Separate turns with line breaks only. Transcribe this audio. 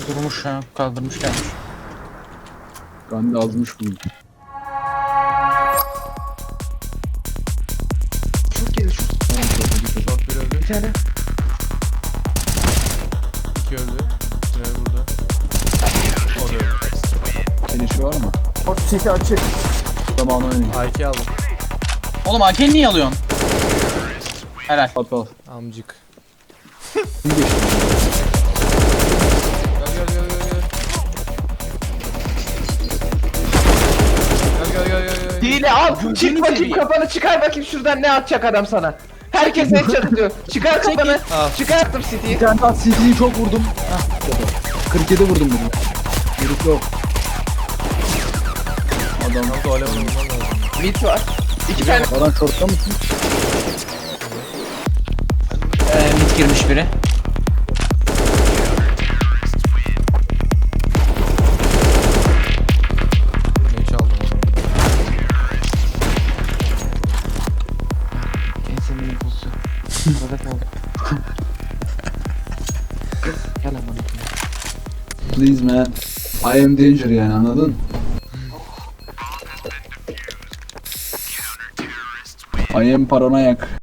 Durmuş ha. Kaldırmış gelmiş.
Gandhi azmış bugün.
Şut gelir şut.
Short bir öldü.
Bir tane.
2 öldü. Tünel burada. O da öldü.
Finish'i var mı?
Bak seti açık.
Zamanı oynayın.
A2 aldım.
Oğlum AK'ni niye alıyorsun? Helal.
Al.
Amcık.
Kim geçti?
Gel.
Hile al.
Gözünü
Çık bakayım
seveyim.
kafanı çıkar bakayım şuradan ne atacak adam sana. Herkes ne atıyor. Çıkar kafanı.
Al.
Çıkarttım City'yi.
Bir tane daha CD'yi çok vurdum. Hah. 47 vurdum bunu. Herif yok. Adam.
Kanka alev olman lazım.
Mid var. İki tane.
Baran shortta mısın?
Mid girmiş biri.
Ne çaldım onu.
Senin impulsu. Arada kaldı. Gel aman.
Please man. I am danger yani anladın? I am paranoyak.